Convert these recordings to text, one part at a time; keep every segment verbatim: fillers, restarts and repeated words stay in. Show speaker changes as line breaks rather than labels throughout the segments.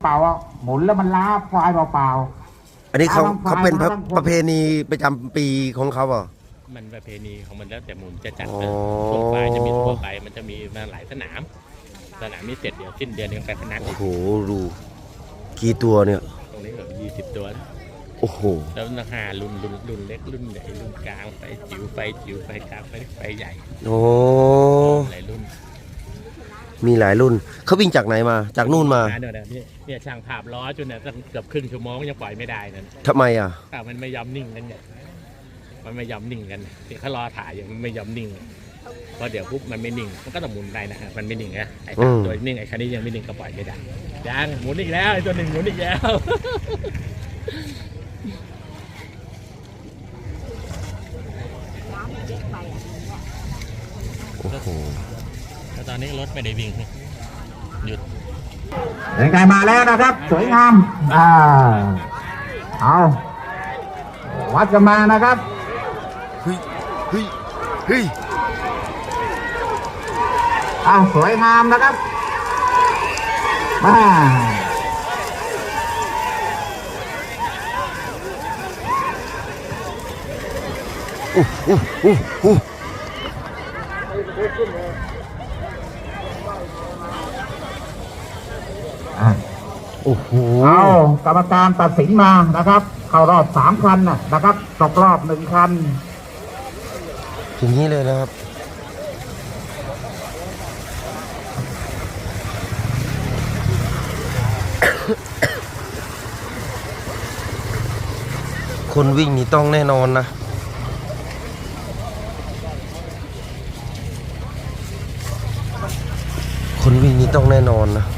เปล่าหมุนแล้วมันล้าควายเปล่าๆ
อันนี้เขา
ล้ทั้งคว
เขา
ย
เป็น
ล้ทั้งคน
ประเพณีประจำปีของเขาเหรอ
มันประเพณีของมันแล้วแต่หมุนจะจัด
อ๋อ
ช่วงปลายจะมีทั่วไปมันจะมีมาหลายสนามสนามนี้เสร็จเดี๋ยวสิ้นเดือนนี้ไปพนัก
โอ้โหดูกี่ตัวเนี่ย
ตรงนี้แบบยี่สิบตัว
โอ้โห
แล้วราคารุ่นรุ่นรุ่นเล็กรุ่นใหญ่รุ่นกลางไฟจิ๋วไฟจิ๋วไฟกลางไฟเล็กไฟใหญ่
โอ้
หลายรุ่น
มีหลายรุ่นเขาวิ่งจากไหนมาจากนู่นมา
เนี่ยเนี่ยเนี่ยช่างภาพล้อจนเนี่ยตั้งเกือบครึ่งชั่วโมงยังปล่อยไม่ได้นั่น
ทำไมอ่ะ
แต่มันไม่ยอมนิ่งกันเนี่ยมันไม่ยอมนิ่งกันที่เขารอถ่ายอยู่มันไม่ยอมนิ่งพอเดี๋ยวปุ๊บมันไม่นิ่งมันก็ต้องหมุนได้นะฮะมันไม่นิ่งนะไอ้ตัวนิ่งไอ้คันนี้ยังไม่นิ่งก็ปล่อยไม่ได้ยังหมุนอีกแล้วไอ้ตัวหนึ่งหมุนอีกแล้ว
โอ้โห
แล้วตอนนี้รถไม่ได้วิ่งหยุด
เป็นไงมาแล้วนะครับ สวยงามอ่าเอาวัดกันมานะครับ
เฮ้ยเฮ้ยเฮ้ย
อ่าสวยงามนะครับมา
อู้อู้อู้อู้
อ่ะ
โอ้โห
เอากรรมการตัดสินมานะครับ เข้ารอบสามคันนะนะครับตกรอบหนึ่งคัน
อย่างนี้เลยนะครับคนวิ่งนี่ต้องแน่นอนนะคนวิ่งนี่ต้องแน่นอนนะ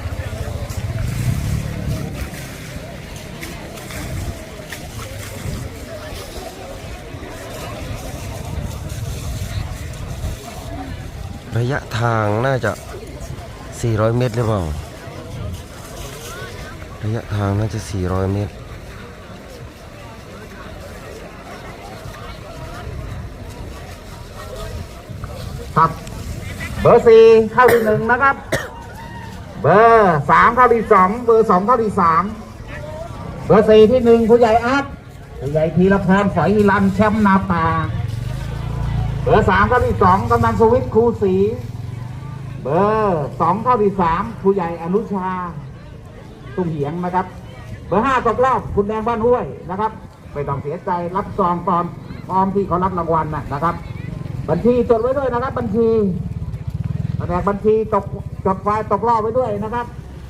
ระยะทางน่าจะสี่ร้อยเมตรหรือเปล่าระยะทางน่าจะสี่ร้อยเมตร
ครับเบอร์สี่เข้าที่หนึ่งนะครับ เบอร์สามเข้าที่สองเบอร์สองเข้าที่สามเบอร์สี่ที่หนึ่งผู้ใหญ่อาร์ตผู้ใหญ่ธีรพรฝอยฮิรันแชมป์นาป่าเบอร์สามเข้าที่สองกำนันสวิทย์ครูศรีเบอร์สองเข้าที่สามผู้ใหญ่อนุชาตุ้มเหียงนะครับ เบอร์ห้าตกรอบคุณแดงบ้านห้วยนะครับไม่ต้องเสียใจรับซองตอนพร้อมที่เขารับรางวัลนะนะครับบัญชีจดไว้ด้วยนะครับบัญชีแผนกบัญชีตกจดไฟล์ตกรอบไว้ด้วยนะครับ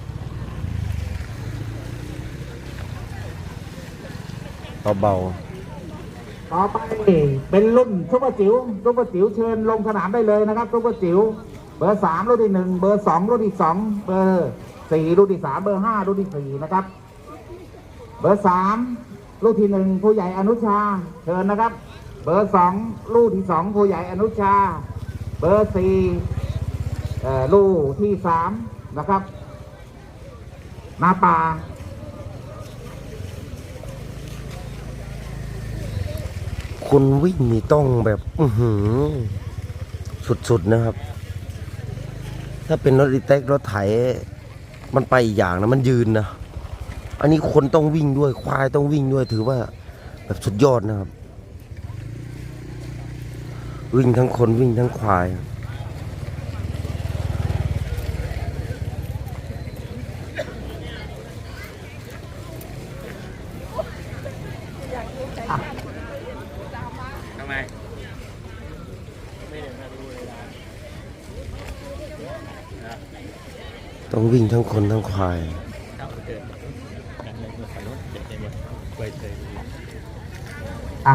เบา
ต่อไปเป็นรุ่นซุปเปอร์จิ๋วซุปเปอร์จิ๋วเชิญลงสนามได้เลยนะครับซุปเปอร์จิ๋วเบอร์สามรุ่นที่หนึ่งเบอร์สองรุ่นที่สองเบอร์สี่รุ่นที่สามเบอร์ห้ารุ่นที่สี่นะครับเบอร์สามรุ่นที่หนึ่งผู้ใหญ่อนุชาเชิญนะครับ เบอร์สองลูกที่สองผู้ใหญ่อนุชาเบอร์สี่ลูกที่สามนะครับนาป่า
ๆคนวิ่งนี่ต้องแบบอื้อหือสุดๆนะครับถ้าเป็นรถอีแท็กรถไถมันไปอีกอย่างนะมันยืนนะอันนี้คนต้องวิ่งด้วยควายต้องวิ่งด้วยถือว่าแบบสุดยอดนะครับวิ่งทั้งคนวิ่งทั้งควาย
ทำไม
ต้องวิ่งทั้งคนทั้งควาย
เข้าเกิดกันเลยขนุนเด็ดเนี่ยไว้เลย
อ่ะ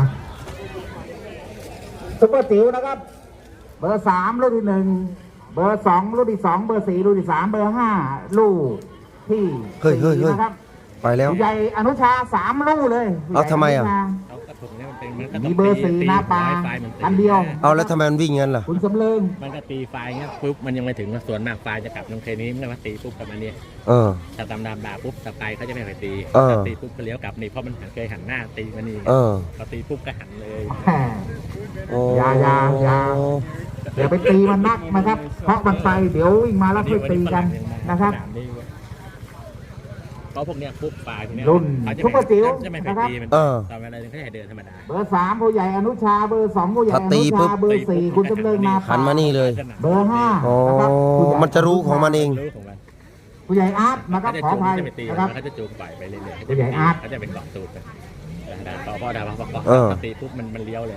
ซุปเปอร์จิ๋วนะครับ เบอร์สามรุ่นที่หนึ่งเบอร์สองรุ่นที่สองเบอร์สี่รุ่นที่สามเบอร์ห้าลูกที่
เฮ้ยเฮ้ย
สี่
เฮ้ย
นะครับ
ไปแล้ว
ผู้ใหญ่อนุชาสามลูกเลย
เอาทำไมอ่ะ
เขากระถุงเนี่ยมันเป็นมันก็
มีเบอร์สี่นาปาอันเดียว
เอาแล้วทำไมมันวิ่งงั้นล่ะ
คุณสำเริง
มันก็ตีไฟเงี้ยปุ๊บมันยังไม่ถึงส่วนมากไฟจะกลับตรงเคนี้มันก็มาตีปุ๊บกลับมาเนี่ย
เออ
ถ้าตามดามดาปุ๊บสไปเขาจะไม่ไปตี
เออ
ตีปุ๊บก็เลี้ยวกลับนี่เพราะมันเคยหันหน้าตีมานี่
เออ
พอตีปุ๊บก็หันเลย
โอ้
อย่าอย่าอย่า เดี๋ยวไปตีมันนักนะครับ เพราะมันไปเดี๋ยววิ่งมาแล้วค่อยตีกันนะครับ
สามนี่เว้ยเพราะพวกเนี้ยปุ๊บปลาทีเนี้ย
รุ่น
เขาจะ
ซุปเปอร์จิ๋ว
จะไม่
นะ
ไป
ครับ
ตีมัน
เออ
ตอนเวลาเดินเขาจะเดินธรรมดา
เบอร์สามผู้ใหญ่อนุชาเบอร์สองผู้ใหญ่อ
ถ้าตี
นุ
ปุ๊
ชา
บ
เบอร์สี่คุณจำเริญนา
หันมานี่เลย
เบอร์ห้า
อ๋อ
นะครับผู้ใหญ่
มันจะรู้ของมันเอง
รู้ของมัน
ผู้ใหญ่อาร์ตนะครับ
เขาจะ
ขอ
จู
อง ภัย
จะไปตี
นะครับ
เขาจะจูงปล่อยไปเรื่อยๆ
ผู้ใหญ่อาร์ต
เขาจะเป็นเกาะตูดไปดาพอพอดาพอพอ
เออ
พอตีปุ๊บมันมันเลี้ยวเลย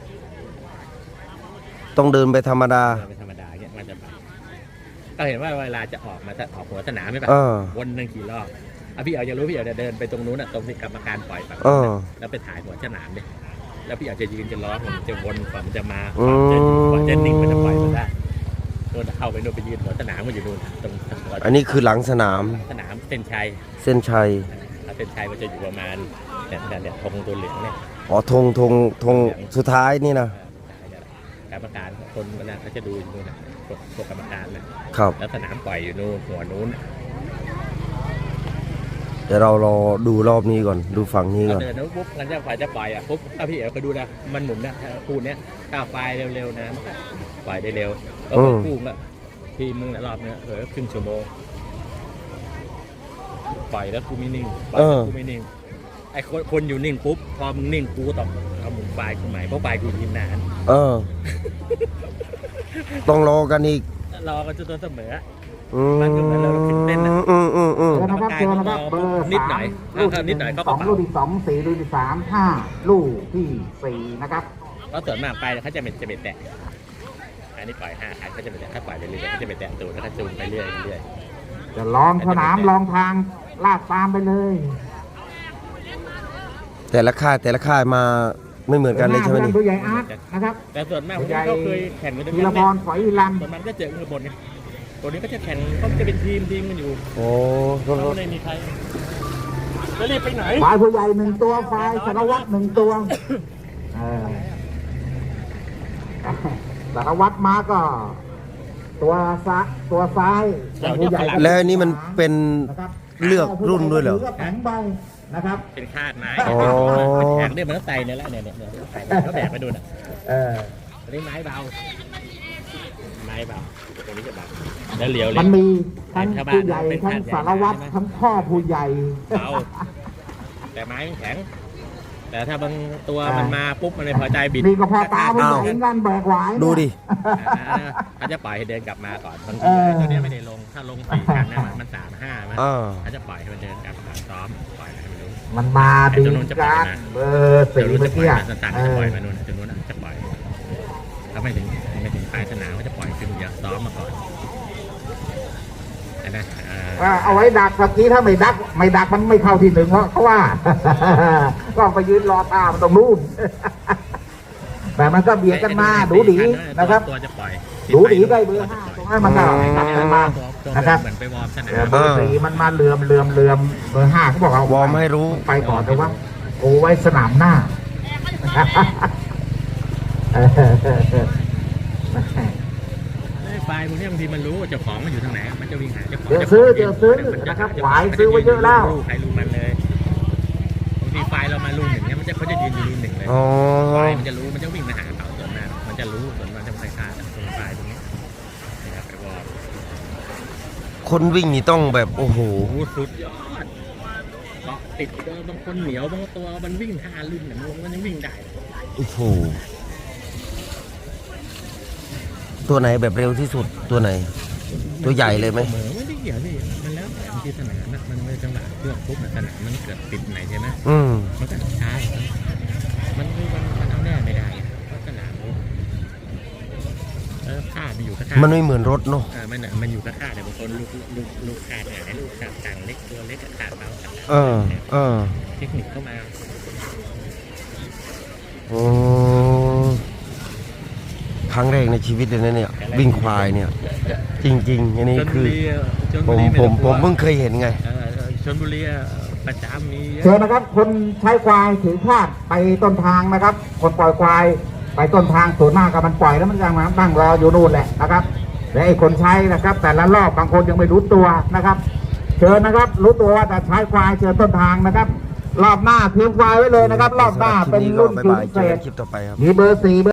ต้องเดินไปธรรมดา
เดินเป็นธรรมดาเงี้ยมันจะไปก็เห็นว่าเวลาจะออกมาจะออกหัวสนามไม่ปะ
เออ
วนหนึ่งกี่รอบอ่ะพี่เอาจะรู้พี่เอาจะเดินไปตรงนู้นอ่ะตรงที่กรรมการปล่อยแบบ
เออ
แล้วไปถ่ายหัวสนามดิแล้วพี่อาจจะยืนจะล้อมันจะวนกว่ามันจะมา
อืม
จะกว่าจะนิ่งมันจะปล่อยมันได้โดนเข้าไปโดนไปยืนหัวสนามมันอยู่นู่นตรงหัว
อันนี้คือหลังสนาม
สนามเส้นชัย
เส้นชัย
เส้นชัยมันจะอยู่ประมาณเนี่ยเนี่ยเนี่ยธงตัวเหลืองเนี่ย
อ๋อธงธงธงสุดท้ายนี่นะ
กรรมการคนมันนะเขาจะดูอยู่นู่นนะพวกพวกกรรมการนะครับ แล้วสนามปล่อยอยู่นู่นหัวนู้น
เดี๋ยวเรารอดูรอบนี้ก่อน ดูฝั่งนี้ก่อน
เดินแล้วปุ๊บงั้นจะปล่อยจะปล่อยอ่ะปุ๊บถ้าพี่เอ๋ไปดูนะมันหมุนนะคู่เนี้ยก้าวไฟเร็วๆนะมันก็ปล่อยได้เร็วแล้วก็คู่ก็ทีมึงรอบเนี้ยเออครึ่งชั่วโมงปล่อยแล้วกูไม่นิ่งปล่อยแล้วกูไม่นิ่งไอ้คนคนอยู่นิ่งปุ๊บพอมึงนิ่งกูต้องเอาหมุนไฟกูใหม่เพราะไฟกูยินนาน
เออ ต้องรอกันอีก
รอกันจนตัวเสมอ
อืม
มันก็เหมือนเราตื่นเต้นนะ
อืมอืมอืม
เจอนะครับเจอนะครับเบอร์
นิดหน่
สา
อย
มลูก
ถ้านิดหน่อยก็
สอง
เป่า
ลูกที่สองสี่ลูกที่สามห้าลูกที่สี่นะครับ
เพราะส่วนมากไปเขาจะเป็นจะเป็นแตะอันนี้ปล่อยห้าขาเขาจะเป็นแตะถ้าปล่อยไปเรื่อยๆเขาจะเป็นแตะตูดแล้วก็จูงไปเรื่อยเรื่อย
จะลองสนามลองทางลาดตามไปเลย
แต่ละค่ายแต่ละค่ายมาไม่เหมือนกันเลยใช่ไหมนี่
ผู้ใหญ่อาร์ตนะครับ
แต่ส่วนมากเขาเคยแข่งกันด้วย
ธี
กั
ร
น
พ
เนี่ย
รฝอยลัน
ส่วนมันก็เจอมือบนเนี่ยตัวนี้ก็จะแข่งก็จะเป็นทีมทีมกันอยู่
โอ้โทษ
เขา
โทษ
ไม่ได้มีใครแล้วรีบไปไหน
ฝ่ายผู้ใหญ่หนึ่งตัวฝ่ายสารวัตรหนึ่งตัวเออสารวัตรมาก็ ตัวซ้ายตัวซ้ายผู้ใหญ่
แล้วอันนี้มันเป็น
นะครับ
เลือกรุ่นด้วยเหรอ
แข็งใบนะครับ
เป็นคาดไม้
อ๋อ
แข่งเนี่ยมันต้องไต่เนี่ยแหละเนี่ยเนี่ยเนี่ยไต่เขาแบกไปดูน่ะ
เออ
อันนี้ไม้เบาไม้เบาตรงนี้จะเบาแล้วเหลียวเลย
มันมีทั้ง
ชาวบ้าน
ผู้ใหญ่
เป็น
ทั้ง
คาดใหญ่
สารวัตร
ใช่ไหม
ทั้งพ่อผู้ใหญ่
เบาแต่ไม้มันแข็ง แต่ถ้าบางตัวมันมาปุ๊บมันไม่พอใจบิด
นี่ก็พอตาผู้ใหญ่
อ้าว
เหมือนกันแบกไหวเนี่ย
ดูดิ
อ่าเขาจะปล่อยให้เดินกลับมาก่อนบาง
เอ
ที
อ
ตัวเนี้ยไม่ได้ลงถ้าลงสี่กันนะมันมันสามห้ามัน
อ่า
เขาจะปล่อยให้มันเดินกลับมาซ้อมปล่อยให้มันรู้
มันมาดี
ไอ้ตัวนู้นจะปล่อย
การ
มา
เบอร์สี่
เดี๋ยวรู้
เมื่
จะ
อ
ปล่อ
กี้
ย
อะ
มาสั้นๆ
เอ
จะป
อ
ล่อยมานู่นตัวนู้นน่ะจะปล่อยถ้าไม่ถึงไม่ถึงปลายสนามก็จะปล่อยขึ้นเยอะซ้อมมาก่อนอันนะอ่า
เออเอาไว้ดักเมื่อกี้ถ้าไม่ดัก ไม่ดักมันไม่เข้าที่หนึ่งเพราะเขาว่า ก็ไปยืนรอตามนตรงนู้น แต่มันก็เบียดกันมาดูดีนะครับ
ตัวจะปล่อย
ดูดีได้เบอร์ห้าตรงนั้นมันก็ดักกันมานะครับ
เหมือนไปวอร์มสนาม
เออเบอร์สี่มันมาเหลื่อมเหลื่อมเหลื่อมเบอร์ห้าเขาบอกเอา
วอร์มให้รู้
ไปก่อนแต่ว่าโอ้ไว้สนามหน้า เออ
ไฟพวกนี้บางทีมันรู้ว่าเจ้าของมันอยู่ทางไหนมันจะวิ่งหาเจ้าของ
เดี๋ยวซื้อเดี๋ยวซื้อนะครับหวายซื้อไว้เยอะแล้ว
ใครรู้มันเลยบางทีไฟเรามาลุงหนึ่งเนี่ยมันจะเขาจะยืนอยู่ลุงหนึ่งเลย
อ๋อ
ไฟมันจะรู้มันจะวิ่งมาหาเขาส่วนมากมันจะรู้ส่วนมันจะไม่ฆ่าตรงไฟตรงนี้นะครับไปวอร์ม
คนวิ่งนี่ต้องแบบโอ้โห
โอ้สุดยอดเกาะติดตัวบางคนเหนียวบางตัวมันวิ่งท่าลื่นเนี่ยมันยังวิ่งได้
โอ้โห ตัวไหนแบบเร็วที่สุดตัวไหน ตัวใหญ่เลยไหม
เหมือนไม่ได้เกี่ยวนี่มันแล้วแต่บางทีสนามนะมันไม่จังหวะช่วงปุ๊บสนามมันเกิดติดไหนใช่ไหม
อืม
มันก็ช้ามันมันมันเอาแน่ไม่ได้เพราะสนามเออค่ามันอยู่กับค่า
มันไม่เหมือนรถเนาะ
เออมันอ่ะมันอยู่กับค่าแต่บางคนลูกลูกลูกขาดไหนลูกขาดต่างเล็กตัวเล็กขาดเบาขาด
เออ เออ
เทคนิคเข้ามา
โอ้ครั้งแรกในชีวิตเลยนะเนี่ย วิ่งควายเนี่ย จริงๆ อันนี้
ชล
คื
บุ
อ
รีอ่ะชล
ผ
บุ
ม
รีไ
ผมผม
ต้องกลัว
เพิ่งเคยเห็นไง
เออชลบุรีอ่ะประจำมีเย
เชิญ
อะ
นะครับ คนใช้ควายถือคาดไปต้นทางนะครับ คนปล่อยควายไปต้นทางส่วนมากกับมันปล่อยแล้วมันยังมาตั้งรออยู่นู่นแหละนะครับและไอ้คนใช้นะครับ แต่ละรอบบางคนยังไม่รู้ตัวนะครับ เชิญนะครับ รู้ตัวว่าจะใช้ควายเชิญต้นทางนะครับ รอบหน้าเตรียมควายไว้เลยนะครับ รอบหน้าเป็นรุ่น
บ๊าย
พิ
บาย
เศ
เจอกั
ษ
นคลิปต่อไปครับ
มีเบอร์สี่